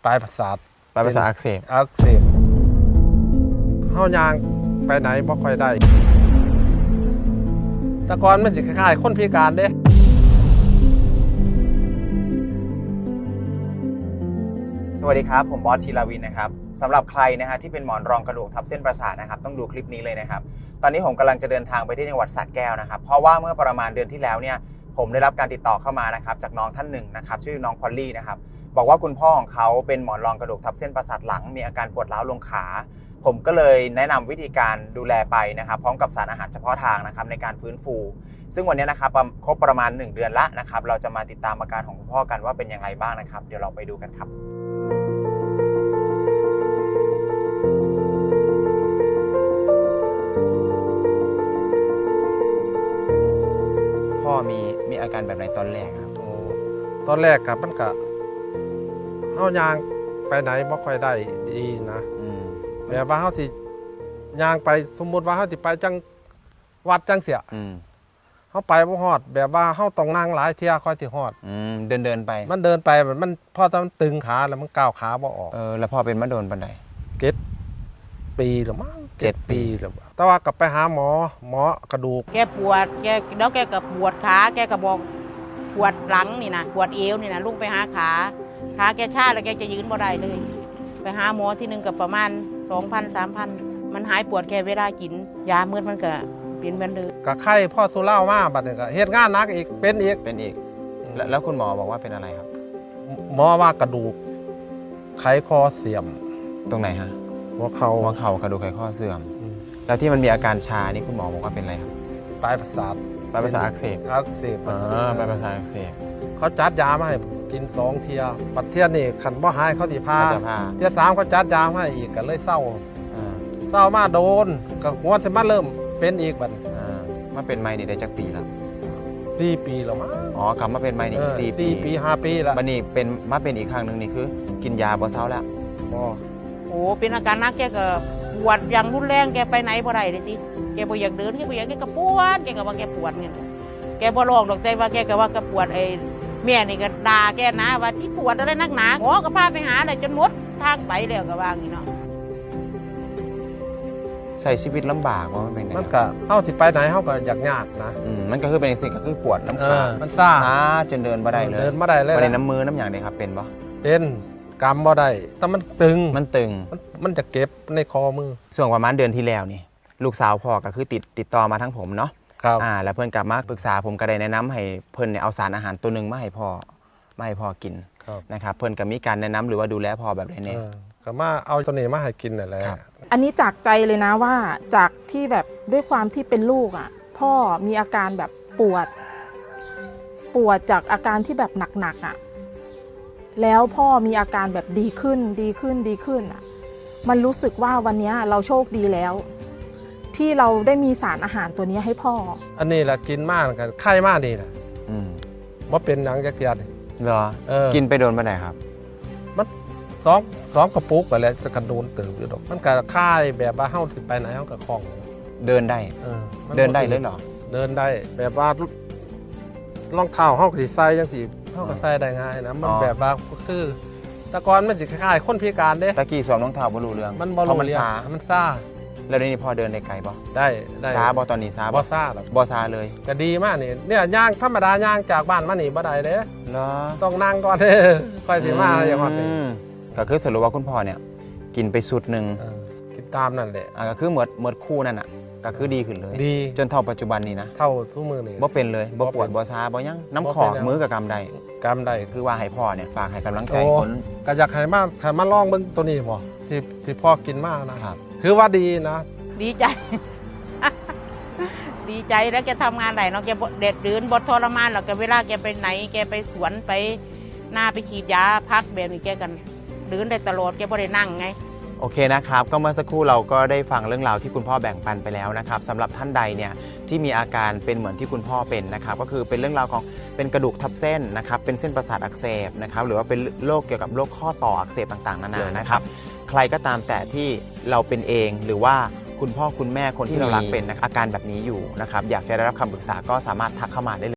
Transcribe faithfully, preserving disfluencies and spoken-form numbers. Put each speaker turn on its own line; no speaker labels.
ปลายประสาท
ปลายประสาทอักเสบ
อักเสบเฮายางไปไหนบ่ค่อยได้แต่ก่อนมันสิคล้ายๆคนพิการเด้
สวัสดีครับผมบอสชีลาวินนะครับสำหรับใครนะฮะที่เป็นหมอนรองกระดูกทับเส้นประสาทนะครับต้องดูคลิปนี้เลยนะครับตอนนี้ผมกำลังจะเดินทางไปที่จังหวัดสระแก้วนะครับเพราะว่าเมื่อประมาณเดือนที่แล้วเนี่ยผมได้รับการติดต่อเข้ามานะครับจากน้องท่านหนึ่งนะครับชื่อน้องพอลลี่นะครับบอกว่าคุณพ่อของเขาเป็นหมอนรองกระดูกทับเส้นประสาทหลังมีอาการปวดร้าวลงขาผมก็เลยแนะนำวิธีการดูแลไปนะครับพร้อมกับสารอาหารเฉพาะทางนะครับในการฟื้นฟูซึ่งวันนี้นะครับครบประมาณหนึ่งเดือนละนะครับเราจะมาติดตามอาการของคุณพ่อกันว่าเป็นอย่างไรบ้างนะครับเดี๋ยวเราไปดูกันครับพ่อมีมีอาการแบบไหนตอนแรกครับ
โอ้ตอนแรกครับมันก็เฮายางไปไหนบ่ค่อยได้ดีนะแบบว่าเฮาสิย่างไปสมมุติว่าเฮาสิไปจังวัดจังเสียเฮาไปบ่ฮอดแบบว่าเฮาต้องนั่งหลายเที่ยค่อยสิฮอด
เดินเดินไป
มันเดินไปมันพอตอนตึงขาแล้วมันก้าวขาบ่ออก
เออแล้วพอเป็นมาโดนปานใด
เจ็ดปีหรือมั้งเจ็ดปีแล้วแต่ว่าก็ไปหาหมอหมอกระดูก
แกปวดแกแล้วแกก็ปวดขาแกก็บอกปวดหลังนี่นะปวดเอวนี่นะลุกไปหาขาขาแกชาแล้วแกจะยืนบ่ได้เลยไปหาหมอที่นึงกับประมาณสองพันสามพันมันหายปวดแค่เวลากินยาเมื่อมันก็เปลี่ยนเหมือนเดิม
ก็ไข้พ่อสุเล่ามาบัดนี้ก็เฮ็ดงานหนักอีกเป็นอีก
เป็นอีกแล้วคุณหมอบอกว่าเป็นอะไรครับ
หมอว่ากระดูกไขข้อเสื่อม
ตรงไหนฮะ
หัวเข่า
หัวเข่ากระดูกไขข้อเสื่อมแล้วที่มันมีอาการชานี่คุณหมอบอกว่าเป็นอะไรครับ
ปลายประสาท
ปลายประสาทอักเสบ
อักเสบ
อ่าปลายประสาทอักเสบ
เขาจัดยามาให้กินสองเที่ยปัดเที่ยนี่ขันบ่หายเขาสิพาเที่ยสามเขาจัดยามาให้อีกก็เลยเศร้าเศร้ามาโดนก็หัวสิมาเริ่มเป็นอีกบัด
มาเป็นไมนี่ได้จักปีแล้ว
สี่ปีแล้วมั้ง
อ๋อกลับมาเป็นไมนี่อีกสี่ปี
สี่ปีห้าปีแล้ว
บัดนี้เป็นมาเป็นอีกครั้งนึงนี่คือกินยาบ่เศร้าแล้ว
บ่
โอ้เป็นอาการนักแกก็ปวดอย่างรุนแรงแกไปไหนบ่ได้เลยทีแกบ่อยากเดินแกบ่อยากแกก็ปวดแกก็ว่าแกปวดเนี่ยแกบ่ร้องดอกแต่ว่าแกก็ว่าแกปวดไอ้แม่นี่ก็ด่าแกนะว่าที่ปวดอะไรนักหนาหมอก็พาไปหาเลยจนหมดทางไปแล้วก็ว่าอย่างนี้เนาะ
ใช้ชีวิตลำบากว่ามันเป็นไง
มันก็เฮาสิไปไหนเฮาก็อยากยากนะ
อืมมันก็คือเป็นสิ่งก็คือปวดน้ำขา
มันซ่า
ซ่าจนเดินบ่ได้เลย
เดินบ่ได้เลย
บ่ได้น้ำมือน้ำอย่างนี้ครับเป็นบ่
เป็นกำบ่ได้แต่มันตึง
มันตึง
มันจะเก็บในคอมือ
ช่วงประมาณเดือนที่แล้วนี่ลูกสาวพ่อก็คือติดติดต่อมาทั้งผมเนาะ
ครับ
อ่าแล้วเพื่อนกลับมาปรึกษาผมก็ได้แนะนำให้เพื่อนเนี่ยเอาสารอาหารตัวนึงมาให้พ่อมาให้พ่อกินนะครับเพื่อนก็มีการแนะนำหรือว่าดูแลพ่อแบบไหนเนี่ย
ก็มาเอาตัวนี้มาให้กินนั่นแหละ
อันนี้จากใจเลยนะว่าจากที่แบบด้วยความที่เป็นลูกอ่ะพ่อมีอาการแบบปวดปวดจากอาการที่แบบหนักๆอ่ะแล้วพ่อมีอาการแบบดีขึ้นดีขึ้นดีขึ้นอ่ะมันรู้สึกว่าวันนี้เราโชคดีแล้วที่เราได้มีสารอาหารตัวนี้ให้พ่อ
อันนี้แหละกินมากกันไข้มากนี่นะอืมว่าเป็นหนังจักรยาน
เหรอกินไปโดนมาไหนครับ
มันสองสองกระปุกไปแล้วจะกระโดนเติมอยู่ดอกมันก็ค่ายแบบว่าเฮาสิไปไหนเฮาก็คล่อง
เดินได้เออเดินได้เลยเหรอ
เดินได้แบบว่ารองเท้าเฮาก็สิใส่จังซี่เฮาก็ใส่ได้ง่ายนะมันแบบว่าคือแต่ก่อนมันสิคล้ายๆคนพิการเด้
ตะกี้สวมรองเท้าบ่รู้เรื่อง
มันบ่รู้เรื่องมันซ่า
แล้วนี่พอเดินได้ไกลบ่
ได้ได้
ซาบ่ตอนนี้ซา
บ่ซ่าหรอก
บ่ซาเลย
ก็ดีมากนี่เนี่ยย่างธรรมดาย่างจากบ้านมานี่บ่ได้เด้
เหรอ
ต้องนั่งก่อนเด้อค่อยสิมาอย่างว่า
ก็คือสรุปว่าคุณพ่อเนี่ยกินไปสุดนึง
กินตามนั่นแหละ
อ่าก็คือหมดหมดคู่นั่นน่ะก็คือดีขึ้นเลย
ดี
จนเท่าปัจจุบันนี้นะ
เท่าทุกมื้อนี่
บ่เป็นเลยบ่ปวดบ่ซาบ่ยังน้ำขอกมือกับกำได
กำได
คือว่าให้พ่อเนี่ยฝากให้กำลังใจคน
ก็อยากให้มาให้มาลองเบิ่งตัวนี้บ่ที่ที่พ่อกินมากนะครับถือว่าดีนะ
ดีใจ ดีใจแล้วแกทำงานไหนเนาะแกเด็ดดืนบดทรมานหรอกแกเวลาแกไปไหนแกไปสวนไปหน้าไปฉีดยาพักแบบนี้แกกันดืนได้ตลอดแกไม่ได้นั่งไง
โอเคนะครับก็เมื่อสักครู่เราก็ได้ฟังเรื่องราวที่คุณพ่อแบ่งปันไปแล้วนะครับสำหรับท่านใดเนี่ยที่มีอาการเป็นเหมือนที่คุณพ่อเป็นนะครับก็คือเป็นเรื่องราวของเป็นกระดูกทับเส้นนะครับเป็นเส้นประสาทอักเสบนะครับหรือว่าเป็นโรคเกี่ยวกับโรคข้อต่ออักเสบต่างๆนานานะครับใครก็ตามแต่ที่เราเป็นเองหรือว่าคุณพ่อคุณแม่คนที่เรารักเป็นอาการแบบนี้อยู่นะครับอยากจะได้รับคำปรึกษาก็สามารถทักเข้ามาได้เลย